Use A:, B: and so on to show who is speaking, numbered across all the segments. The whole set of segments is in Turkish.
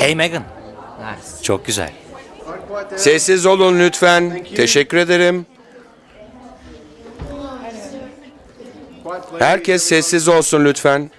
A: Hey Megan. Çok güzel.
B: Sessiz olun lütfen. Teşekkür ederim. Herkes sessiz olsun lütfen.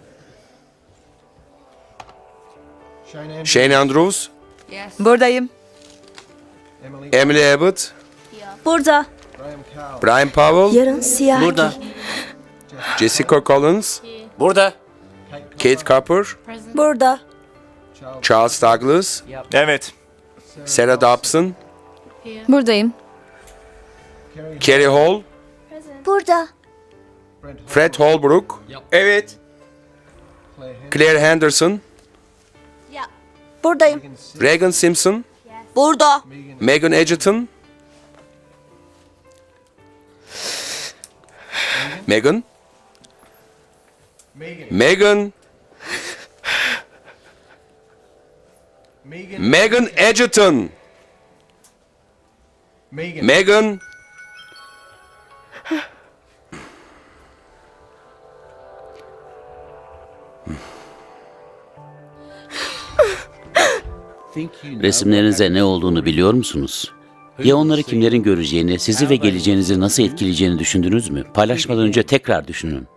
B: Shane Andrews,
C: Buradayım.
B: Emily Abbott,
D: Burada.
B: Brian Powell,
D: Yarın siyah
A: Burada.
D: giy.
B: Jessica Collins,
A: Burada.
B: Kate Cooper,
D: Burada.
B: Charles Douglas,
E: Evet.
B: Sarah Dobson,
C: Buradayım.
B: Kerry Hall,
D: Burada.
B: Fred Holbrook,
E: Evet.
B: Claire Henderson,
D: Buradayım.
B: Regan Simpson,
D: Burada.
B: Megan Edgerton, Megan, Megan, Megan Edgerton, Megan,
F: Resimlerinize ne olduğunu biliyor musunuz? Ya onları kimlerin göreceğini, sizi ve geleceğinizi nasıl etkileyeceğini düşündünüz mü? Paylaşmadan önce tekrar düşünün.